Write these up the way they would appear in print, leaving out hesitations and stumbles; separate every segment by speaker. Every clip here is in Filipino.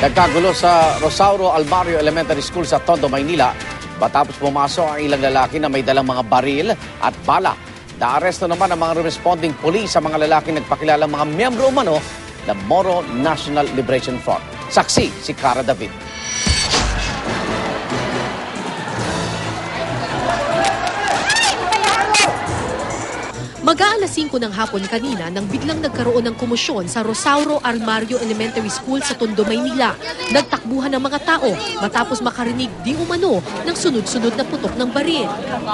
Speaker 1: Nagkagulo sa Rosauro Almario Elementary School sa Tondo, Maynila matapos pumasok ang ilang lalaki na may dalang mga baril at bala. Naaresto naman ang mga responding police sa mga lalaki nagpakilalang mga miyembro umano ng Moro National Liberation Front. Saksi si Cara David.
Speaker 2: Mag-aalas 5 ng hapon kanina nang biglang nagkaroon ng komosyon sa Rosauro Almario Elementary School sa Tondo, Maynila. Nagtakbuhan ng mga tao matapos makarinig di umano ng sunod-sunod na putok ng baril.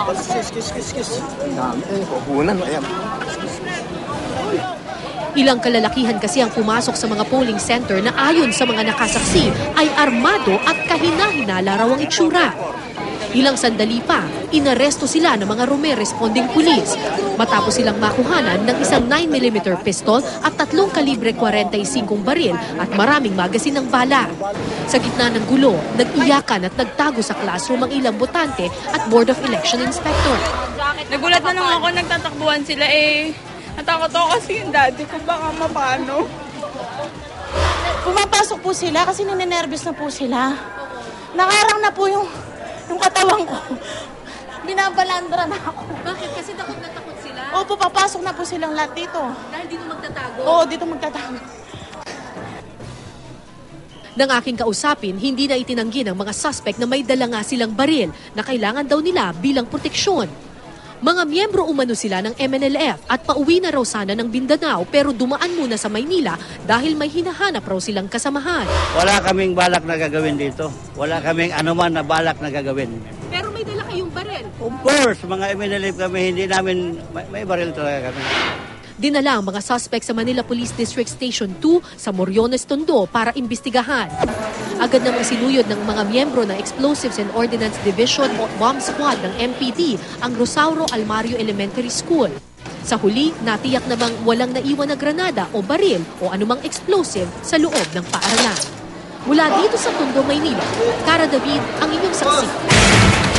Speaker 2: Ilang kalalakihan kasi ang pumasok sa mga polling center na ayon sa mga nakasaksi ay armado at kahina-hinala raw ang itsura. Ilang sandali pa, inaresto sila ng mga Rome responding police matapos silang makuhanan ng isang 9mm pistol at 3 kalibre 45 baril at maraming magasin ng bala. Sa gitna ng gulo, nag-iyakan at nagtago sa classroom ang ilang botante at Board of Election Inspector.
Speaker 3: Nagulat na lang ako, nagtatakbuhan sila natakot ako kasi yung daddy ko baka mapano.
Speaker 4: Pumapasok po sila kasi ninenervous na po sila. Nakarang na po yung katawan ko. Binabalandra na ako.
Speaker 2: Bakit? Kasi takot na takot sila?
Speaker 4: Opo, papasok na po silang lahat dito.
Speaker 2: Dahil dito magtatago?
Speaker 4: Oo, dito magtatago.
Speaker 2: Nang aking kausapin, hindi na itinanggi ng mga suspect na may dala nga silang baril na kailangan daw nila bilang proteksyon. Mga miyembro umano sila ng MNLF at pauwi na raw sana ng Mindanao pero dumaan muna sa Maynila dahil may hinahanap raw silang kasamahan.
Speaker 5: Wala kaming balak na gagawin dito. Wala kaming anuman na balak na gagawin.
Speaker 2: Pero may dala kayong baril?
Speaker 5: Of course, mga MNLF kami, hindi namin, may baril talaga kami.
Speaker 2: Dinala ang mga suspect sa Manila Police District Station 2 sa Moriones, Tondo para imbestigahan. Agad namang sinuyod ng mga miyembro ng Explosives and Ordnance Division o Bomb Squad ng MPD ang Rosauro Almario Elementary School. Sa huli, natiyak namang walang naiwan na granada o baril o anumang explosive sa loob ng paaralan. Mula dito sa Tondo, Maynila, Cara David ang inyong saksi.